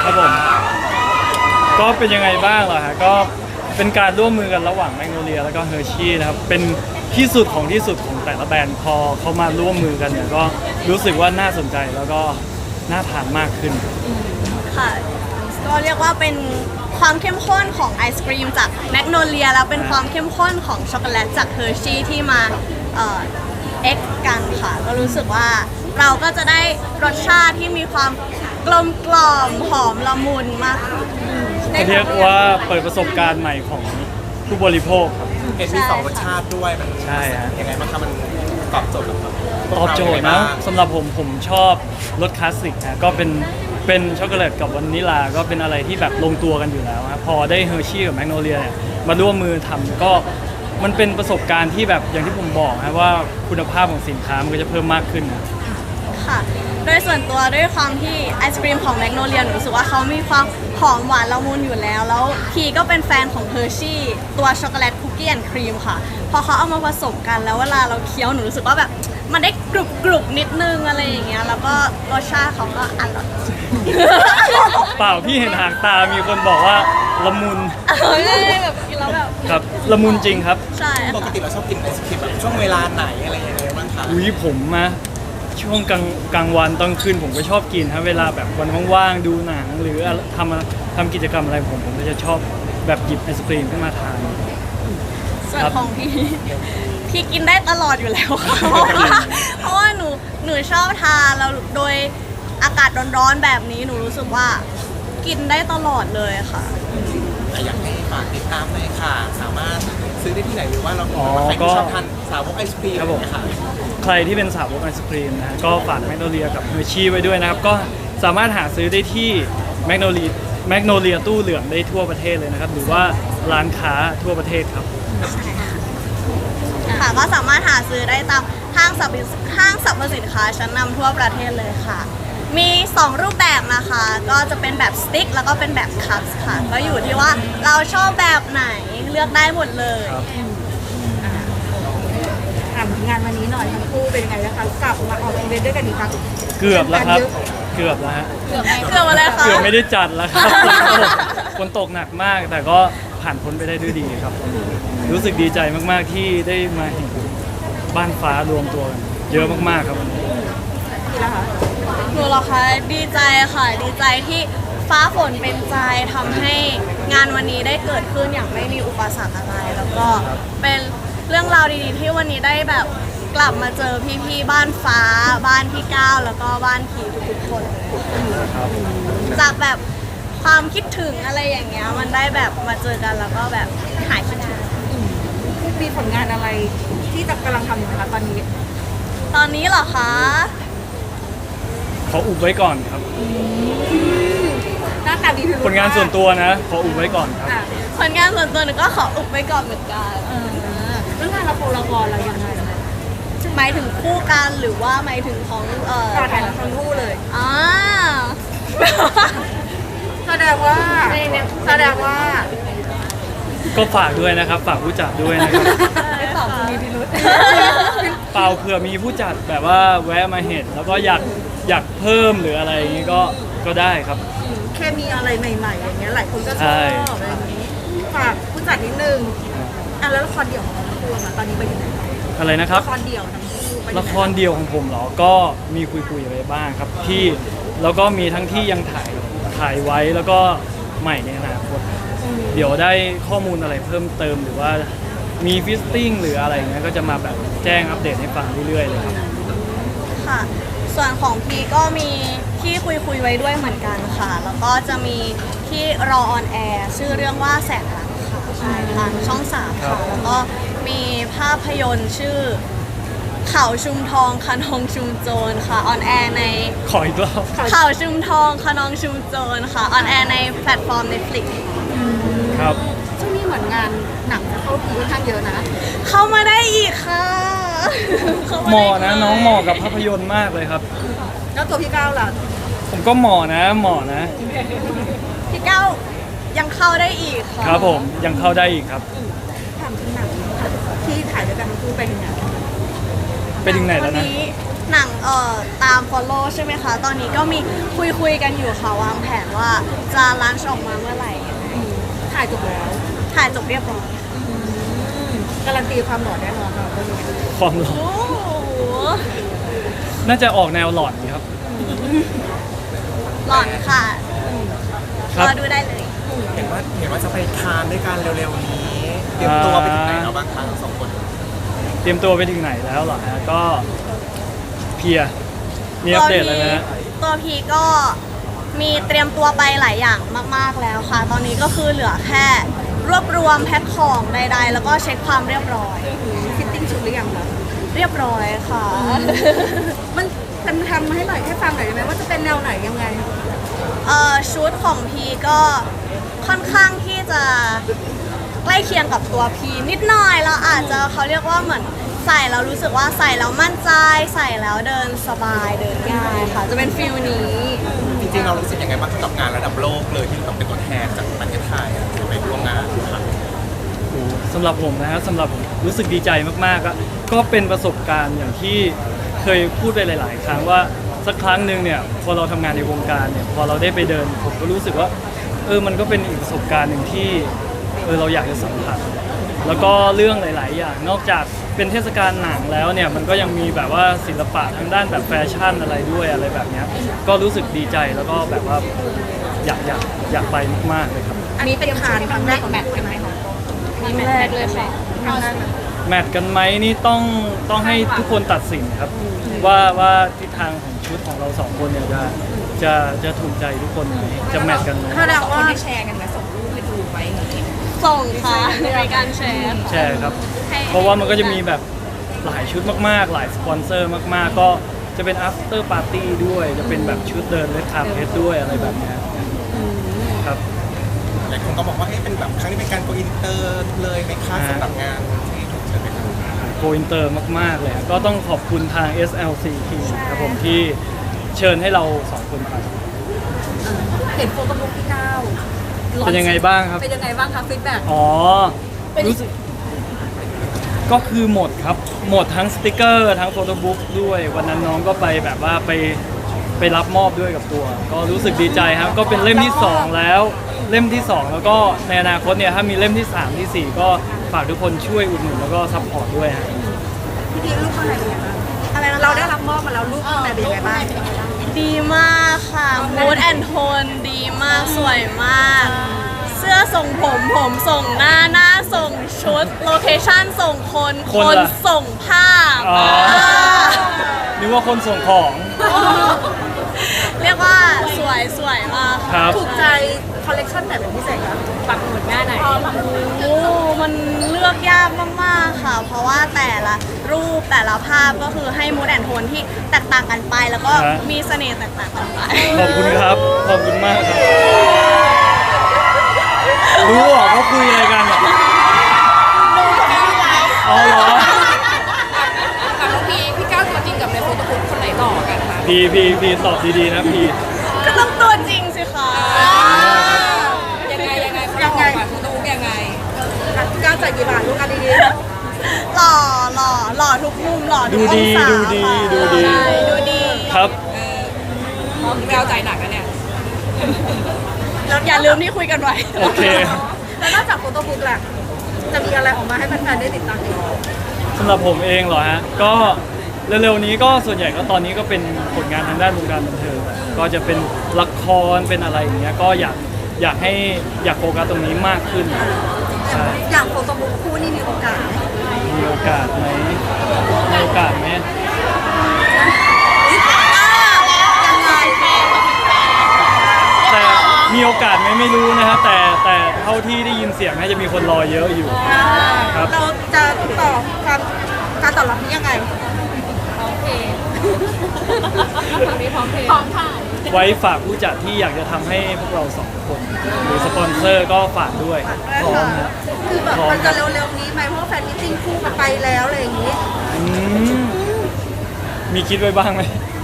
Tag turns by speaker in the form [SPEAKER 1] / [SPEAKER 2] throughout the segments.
[SPEAKER 1] ครับผมก็เป็นยังไงบ้างเหรอฮะก็เป็นการร่วมมือกันระหว่างแมกโนเลียแล้วก็เฮอร์ชี่นะครับเป็นที่สุดของที่สุดของแต่ละแบรนด์พอเขามาร่วมมือกันเนี่ยก็รู้สึกว่าน่าสนใจแล้วก็น่าทานมากขึ้น
[SPEAKER 2] ค่ะก็เรียกว่าเป็นความเข้มข้นของไอศกรีมจากแมกโนเลียแล้วเป็นความเข้มข้นของช็อกโกแลตจากเฮอร์ชี่ที่มาเอ็กกันค่ะก็รู้สึกว่าเราก็จะได้รสชาติที่มีความกลมกล่อมหอมละมุนมากขึ้น
[SPEAKER 1] เรียกว่าเปิดประสบการณ์ใหม่ของผู้บริโภคครับ
[SPEAKER 3] เห็นมีสองรสชาติด้วยมัน
[SPEAKER 1] ใช่ฮะ
[SPEAKER 3] ยังไงบ้างครับมันตอบโจทย์กับ
[SPEAKER 1] ตอบโจทย์นะสำหรับผมชอบรสคลาสสิกนะก็เป็นช็อกโกแลตกับวานิลาก็เป็นอะไรที่แบบลงตัวกันอยู่แล้วครับพอได้เฮอร์ชี่กับแมกโนเลียเนี่ยมาร่วมมือทำก็มันเป็นประสบการณ์ที่แบบอย่างที่ผมบอกนะว่าคุณภาพของสินค้ามันก็จะเพิ่มมากขึ้นนะ
[SPEAKER 2] ค่ะโดยส่วนตัวด้วยความที่ไอศกรีมของแมกโนเลียหนูรู้สึกว่าเขามีความหอมหวานละมุนอยู่แล้วพีก็เป็นแฟนของเฮอร์ชี่ตัวช็อกโกแลตคุกกี้แอนด์ครีมค่ะพอเขาเอามาผสมกันแล้วเวลาเราเคี้ยวหนูรู้สึกว่าแบบมันได้กรุบนิดนึงอะไรอย่างเงี้ยแล้วก็รสชาติเขาก็อร่อย
[SPEAKER 1] เปล่าพี่เห็นหางตามีคนบอกว่าละมุน
[SPEAKER 2] แบบกินแล้วแบบ
[SPEAKER 1] ครับละมุนจริงครับ
[SPEAKER 2] ใช่
[SPEAKER 3] ปก
[SPEAKER 2] ค่ะ
[SPEAKER 3] ติเราชอบกินไอศครีมแบบช่วงเวลาไหนอะไรยังไงบ้างคะ
[SPEAKER 1] อุ้ยผมนะช่วงกลางวันตอนคืนผมก็ชอบกินครับเวลาแบบวันว่างๆดูหนังหรือทำกิจกรรมอะไรผมก็จะชอบแบบหยิบไอศกรีมขึ้นมาทาน
[SPEAKER 2] ส่วนของพี่กินได้ตลอดอยู่แล้วค่ะเพราะว่าหนูชอบทานแล้วโดยอากาศร้อนๆแบบนี้หนูรู้สึกว่ากินได้ตลอดเลยค่ะ
[SPEAKER 3] แต่อยากให้ฝากติดตามหน่อยค่ะ สามารถซื้อได้ที่ไหนหรือว่าเรา
[SPEAKER 1] อ๋อ
[SPEAKER 3] ใคร
[SPEAKER 1] ก็
[SPEAKER 3] ที่ชอบทานสาวกไอศครีม
[SPEAKER 1] ครับผม
[SPEAKER 3] เนี่ยค่ะ
[SPEAKER 1] ใครที่เป็นสาวกไอศครีมนะก็ฝากแมกโนเลียกับเฮอร์ชี่ไว้ด้วยนะครับก็สามารถหาซื้อได้ที่แมกโนเลียตู้เหลืองได้ทั่วประเทศเลยนะครับหรือว่าร้านค้าทั่วประเทศครับ
[SPEAKER 2] ค่ะก็สามารถหาซื้อได้ตามห้างสรรพสินค้าชั้นนำทั่วประเทศเลยค่ะ มี 2 รูปแบบนะคะ ก็จะเป็นแบบสติ๊กแล้วก็เป็นแบบคัพค่ะ ก็อยู่ที่ว่าเราชอบแบบไหนเลือกได้หมดเลย
[SPEAKER 4] ถามงานวันนี้หน่อยทั้งคู่เป็นยังไงนะคะกลับมาออกอีเวนต์ด้วยกันอีกครั้ง
[SPEAKER 1] เกือบแล้วครับเกือบแล้วฮะ
[SPEAKER 2] เกือบอะไรคะ
[SPEAKER 1] เกือบไม่ได้จัดแล้วครับฝนตกหนักมากแต่ก็ผ่านพ้นไปได้ด้วยดีครับ รู้สึกดีใจมากๆที่ได้มาเห็นบ้านฟ้ารวมตัวกันเยอะมากๆครับวันนี้
[SPEAKER 4] นี่นะคะ
[SPEAKER 2] หนูเหรอคะดีใจค่ะดีใจที่ฟ้าฝนเป็นใจทำให้งานวันนี้ได้เกิดขึ้นอย่างไม่มีอุปสรรคอะไร แล้วก็เป็นเรื่องราวดีๆที่วันนี้ได้แบบกลับมาเจอพี่ๆบ้านฟ้าบ้านพี่ก้าวแล้วก็บ้านพีทุกๆคนจากแบบความคิดถึงอะไรอย่างเงี้ยมันได้แบบมาเจอกันแล้วก็แบบหายคิดถึง
[SPEAKER 4] มีผลงานอะไรที่จะกำลังทำอยู่ไหมคะตอนนี้
[SPEAKER 2] ตอนนี้เหรอคะ
[SPEAKER 1] ขออุบไว้ก่อนครับ
[SPEAKER 4] หน้าตาดีพิรุธ
[SPEAKER 1] ผลงานส่วนตัวนะขออุบไว้ก่อนครับ
[SPEAKER 4] อ่ะ
[SPEAKER 2] ผลงานส่วนตัวหนูก็ขออุบไว้ก่อนเหมือนกัน
[SPEAKER 4] เรื่องงานละครเรายังไงนะคะ
[SPEAKER 2] หมายถึงคู่กันหรือว่าหมายถึงของ
[SPEAKER 4] การถ่ายละครคู่เลย
[SPEAKER 2] อ่า
[SPEAKER 4] แสดงว่าแสดงว่า
[SPEAKER 1] ก็ฝากด้วยนะครับฝากผู้จัดด้วยนะครับ
[SPEAKER 4] ไม่ตอบจะมีพิรุธ
[SPEAKER 1] เปล่าเผื่อมีผู้จัดแบบว่าแวะมาเห็นแล้วก็อยากเพิ่มหรืออะไรอย่างนี้ก็ได้ครับ
[SPEAKER 4] เคมีอะไรใหม่ๆอย่างเงี้ยหลายคนก็ช
[SPEAKER 1] ใช่
[SPEAKER 4] อบอะไรอย่างนี้ฝากผู้จัดนิดนึงอ่ะแล้วละครเดี่ยวของเราทั้งคู่อะค่ะตอนนี้ไปอยู่ไหน
[SPEAKER 1] อะไรนะครับ
[SPEAKER 4] ละครเดี่ยวทั้งคู่ไปอยู่ไหน
[SPEAKER 1] ละครเดียวของผมเหรอ ก็มีคุยๆไปบ้างครับที่แล้วก็มีทั้งที่ยังถ่ายไว้แล้วก็ใหม่ในอนาคตเดี๋ยวได้ข้อมูลอะไรเพิ่มเติมหรือว่ามีฟิสติ้งหรืออะไรอย่างเงี้ยก็จะมาแบบแจ้งอัปเดตให้ฟังเรื่อยๆเลยครับ
[SPEAKER 2] ค่ะ ส่วนของพีก็มีที่คุยไว้ด้วยเหมือนกันค่ะ แล้วก็จะมีที่รอออนแอร์ชื่อเรื่องว่าแสงรักค่ะใช่ทางช่อง 3 ค่ะ แล้วก็มีภาพยนตร์ชื่อเขาชุมทองคะนองชุมโจรค่ะออนแอร์ใน
[SPEAKER 1] ขออีกรอบ
[SPEAKER 2] เขาชุมทองคะนองชุมโจรค่ะออนแอร์ในแพลตฟอร์ม Netflix
[SPEAKER 1] ครับ
[SPEAKER 4] ช่วงนี้เหมือนงานหนังจะเข้าพีค่อนข้างเยอะนะ
[SPEAKER 2] เข้ามาได้อีกค่ะเข้า
[SPEAKER 1] เห
[SPEAKER 2] ได้
[SPEAKER 1] มาะ
[SPEAKER 2] อีก
[SPEAKER 1] นะ
[SPEAKER 2] เลย
[SPEAKER 1] น้องเหมาะกับภาพยนตร์มากเลยครับ
[SPEAKER 4] แล้วตัวพี่ก้าวล่ะ
[SPEAKER 1] ผมก็เหมาะนะเหมาะนะ
[SPEAKER 2] พี่เก้ายังเข้าได้อีกค่ะ
[SPEAKER 1] ครับผมยังเข้าได้อีกครับ
[SPEAKER 4] ถามถึงหนังค่ะที่ถ่ายด้วยกันทั้งคู่เป็นยังไง
[SPEAKER 1] ไปถึงไหนแล้วนะ
[SPEAKER 2] ตอหนังตาม follow ใช่ไหมคะ ตอนนี้ก็มีคุยกันอยู่ค่ะวางแผนว่าจะลันช์ออกมาเมื่อไหร่ยังไง
[SPEAKER 4] ถ่ายจบแล้ว
[SPEAKER 2] ถ่ายจบเรียบร้อย
[SPEAKER 4] การันตีความหล่อแน่นอนค่ะเรื่องนี้
[SPEAKER 1] ความหล่อ
[SPEAKER 2] โอ้โห
[SPEAKER 1] น่าจะออกแนวหลอนครับ
[SPEAKER 2] หลอนค่ะ
[SPEAKER 1] ค
[SPEAKER 2] ร
[SPEAKER 1] รับ
[SPEAKER 2] อดูได้เลย
[SPEAKER 3] เห็นว่าจะไปทานด้วยกันเร็วๆนี้เตรียมตัวไปถึงไหนแล้วบ้างคะทั้งสองคน
[SPEAKER 1] เตรียมตัวไปถึงไหนแล้วเหรอฮะก็เพลียมีอัปเดตอะไรไหมฮะ
[SPEAKER 2] ตัวพีก็มีเตรียมตัวไปหลายอย่างมากๆแล้วค่ะ ตอนนี้ก็คือเหลือแค่รวบรวมแพ็คของใดๆ แล้วก็เช็คความเรียบร้อย
[SPEAKER 4] ฟิตติ้งชุดหรือยังคะ
[SPEAKER 2] เรียบร้อยค่ะ
[SPEAKER 4] มันทำให้หน่อยให้ฟังหน่อยได้ไหมว่าจะเป็นแนวไหนยังไง
[SPEAKER 2] ชุดของพีก็ค่อนข้างที่จะใกล้เคียงกับตัวพีนิดหน่อยแล้วอาจจะเขาเรียกว่าเหมือนใส่แล้วรู้สึกว่าใส่แล้วมั่นใจใส่แล้วเดินสบายเดินง่ายค่ะ จะเป็นฟิลนี้
[SPEAKER 3] จริงๆเรารู้สึกยังไงบ้างกับงานระดับโลกเลยที่แบบเป็นตัวแทนจากประเทศไทยไปร่วมงานค่ะ
[SPEAKER 1] โอ้สำหรับผมนะครับสำหรับผมรู้สึกดีใจมากๆก็เป็นประสบการณ์อย่างที่เคยพูดไปหลาย ๆ ครั้งว่าสักครั้งหนึ่งเนี่ยพอเราทำงานในวงการเนี่ยพอเราได้ไปเดินผมก็รู้สึกว่ามันก็เป็นอีกประสบการณ์หนึ่งที่เราอยากจะสัมผัสแล้วก็เรื่องหลาย ๆ อย่างนอกจากเป็นเทศกาลหนังแล้วเนี่ยมันก็ยังมีแบบว่าศิลปะทางด้านแบบแฟชั่นอะไรด้วยอะไรแบบเนี้ยก็รู้สึกดีใจแล้วก็แบบว่าอยากไปมาก ๆ เลยครับ
[SPEAKER 4] อันนี้เป็นครั้งแรกของแมทใช่ไหมคะ
[SPEAKER 2] ครั้งแรกเลยค่ะ
[SPEAKER 4] ครั้งแรก
[SPEAKER 1] แมทกันไหมนี่ต้องให้ทุกคนตัดสินครับว่าทิศทางของชุดของเราสองคนเนี่ยจะถูกใจทุกคนไหมจะแมทกันไหม
[SPEAKER 4] แสดงว่า
[SPEAKER 5] แชร์กันไหมส่งรูปไปดูไว้อย่างนี้
[SPEAKER 2] ส่งค่ะในการแชร์
[SPEAKER 1] ใช่ครับ
[SPEAKER 2] ให้
[SPEAKER 1] เพราะว่ามันก็จะมีแบบหลายชุดมากๆ หลายสปอนเซอร์มากๆ ก็จะเป็น after party ด้วยจะเป็นแบบชุดเดินเลดคาร์เพสด้วยอะไรแบบเนี้ยครับ
[SPEAKER 3] หลายคนก็บอกว่าเป็นแบบครั้งนี้เป็นการโกอินเตอร์เลยไหมคะสำหรับงานที่ถูกเชิญไปทำ
[SPEAKER 1] โกอินเตอร์มาก ๆ เลยก็ต้องขอบคุณทาง SLC Team ครับผมที่เชิญให้เราสองคนไป
[SPEAKER 4] เห็นโฟโต้บุ๊กที่9
[SPEAKER 1] เป็นยังไงบ้างครับ
[SPEAKER 4] เป็นยังไงบ้างคะฟีดแบ็ก
[SPEAKER 1] อ๋อ รู้สึกก็คือหมดครับ หมดทั้งสติกเกอร์ทั้งโฟโต้บุ๊กด้วย วันนั้นน้องก็ไปแบบว่าไปรับมอบด้วยกับตัว ก็รู้สึกดีใจครับ ก็เป็นเล่มที่ 2 แล้ว เล่มที่ 2 แล้วก็ในอนาคตเนี่ยถ้ามีเล่มที่ 3 ที่ 4 ก็ฝากทุกคนช่วยอุดหนุนแล้วก็ซัพพอร์ตด้วยฮะ
[SPEAKER 4] พี่พีรูปข้างในเป็นยังไงบ้าง
[SPEAKER 2] อะไรนะคะ
[SPEAKER 4] เราได้รับมอบมาแล้วรูปข้างในเป็นยังไงบ้าง
[SPEAKER 2] ดีมากค่ะ mood and tone ดีมาก สวยมาก เสื้อส่งผมส่งหน้าส่งชุด โลเคชั่นส่งคน
[SPEAKER 1] คนล่ะ
[SPEAKER 2] ส่งภาพ
[SPEAKER 1] อ๋อ นึกว่าคนส่งของ
[SPEAKER 2] เรียกว่าสวยมาก
[SPEAKER 1] ค
[SPEAKER 2] ค่ะ
[SPEAKER 1] รับ
[SPEAKER 4] ถูกใจคอลเลกชันไหนเป็นพิเศษคะ
[SPEAKER 5] ปักหมุดหน้าไหน
[SPEAKER 2] โอ้มันเลือกยากมากๆค่ะ เพราะว่าแต่ละรูปแต่ละภาพก็คือให้ mood and tone ที่แตกต่างกันไป แล้วก็
[SPEAKER 1] ฮะ
[SPEAKER 2] มีเสน่ห์แตกต่างกันไป
[SPEAKER 1] ขอบคุณครับ ขอบคุณมากครับ รู้เหรอเขาคุยอะไรกันอ่ะอ๋อเหรอ
[SPEAKER 5] กับน้องพี่ก้าวตัวจริงกับในโฟโต้บุ๊กคนไหนหล่อกันคะ
[SPEAKER 1] พีตอบดีๆนะพี
[SPEAKER 2] ก็ต้องตัวจริงสิคะ
[SPEAKER 5] ยังไงเขาหล่อกว่าโฟโต้บุ๊กยังไง
[SPEAKER 4] พี่ก้าวจ่ายกี่บาทลูกกันดี
[SPEAKER 2] หล่อทุกมุมหล่อทุกองศา
[SPEAKER 1] ดูดี
[SPEAKER 2] ค่ะ
[SPEAKER 1] ดูดี
[SPEAKER 2] ใช่ดูดี
[SPEAKER 1] ครับ
[SPEAKER 5] พี่ก้าวใจหนักนะเนี่ย
[SPEAKER 2] อย่าลืมที่คุยกันไว้
[SPEAKER 1] โอเค
[SPEAKER 4] ๆแล้วนอกจากโฟโต้บุ๊กล่ะจะมีอะไรออกมาให้แฟนๆได้ติดตามอีก
[SPEAKER 1] สำหรับผมเองเหรอฮะ ก็เร็วๆนี้ก็ส่วนใหญ่ก็ตอนนี้ก็เป็นผลงานทางด้านวงการบันเทิงแหละก็จะเป็นละครเป็นอะไรอย่างเงี้ย ก็อยากโฟกัสตรงนี้มากขึ้น ใช่
[SPEAKER 4] อย่างโฟโต้บุ๊กคู่นี่มีโอกาสไหม
[SPEAKER 1] มีโอกาสไหมมีโอกาสไหม
[SPEAKER 4] ยังไง
[SPEAKER 1] แต่มีโอกาสไหมไม่รู้นะครับแต่เท่าที่ได้ยินเสียงน่าจะมีคนรอเยอะอยู่ ครับ
[SPEAKER 4] เราจะต่อการตอบรับนี้ยังไง
[SPEAKER 5] พร้อมถ่าย
[SPEAKER 1] ไว้ฝากผู้จัดที่อยากจะทำให้พวกเราสองคน หรือสปอนเซอร์ก็ฝากด้วยพร้อมนะ
[SPEAKER 4] คือแบบมันจะเร็วๆนี้ไหมเพราะว่าแฟนมิตติ้งคู่กันไปแล้วอะไรอย่างนี้
[SPEAKER 1] อืมมีคิดไว้บ้างไหม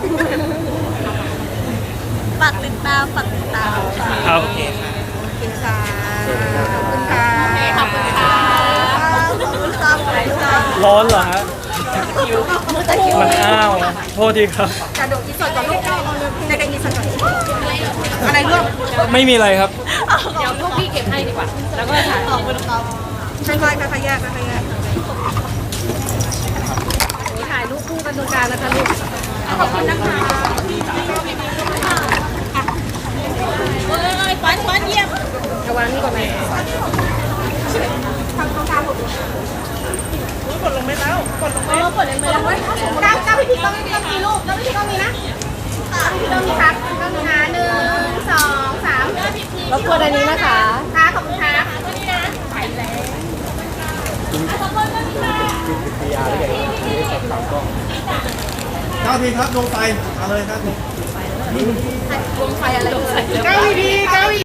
[SPEAKER 2] ฝากติดตามค่ะ
[SPEAKER 1] ครับ
[SPEAKER 4] โอเคค่ะขอบคุณค่ะ
[SPEAKER 5] ขอบคุณค่ะ
[SPEAKER 2] ขอบคุณค่ะ
[SPEAKER 1] ร้อนเหรอฮะมันอ้าวโทษทีครับ
[SPEAKER 4] กระโดดอินเสิร์ตก่อนลูกในการอินเสิร์ตก่อนอะไรลูก
[SPEAKER 1] ไม่มีอะไรครับ
[SPEAKER 5] เดี๋ยวพวกพี่เก็บให้ดีกว่า แล้วก็ถ่าย
[SPEAKER 2] ขอบคุณครับ
[SPEAKER 4] ค่อยๆแยกค่อยๆแยก
[SPEAKER 5] ถ่ายรูปคู่กันตรงกลางนะคะลูก
[SPEAKER 4] ขอบคุณนะคะ
[SPEAKER 2] ควันเยี่ยม
[SPEAKER 5] ระวังนี่ก่อนไหม
[SPEAKER 4] ทำตรงกลางหมด
[SPEAKER 2] กดลงไปแล้วก้าวพี่ต้องมีลูกก้าวพี่ต้องมีนะพี่ต้องมีครับต้องมีนะ1 2 3
[SPEAKER 5] รบกวนอันนี้นะคะ
[SPEAKER 2] ค่ะขอบคุณครับ
[SPEAKER 3] 9 ทีครับลงไปเอาเลย9 ที
[SPEAKER 5] ดวงไฟอะไร
[SPEAKER 4] ก้าวดีๆก้าว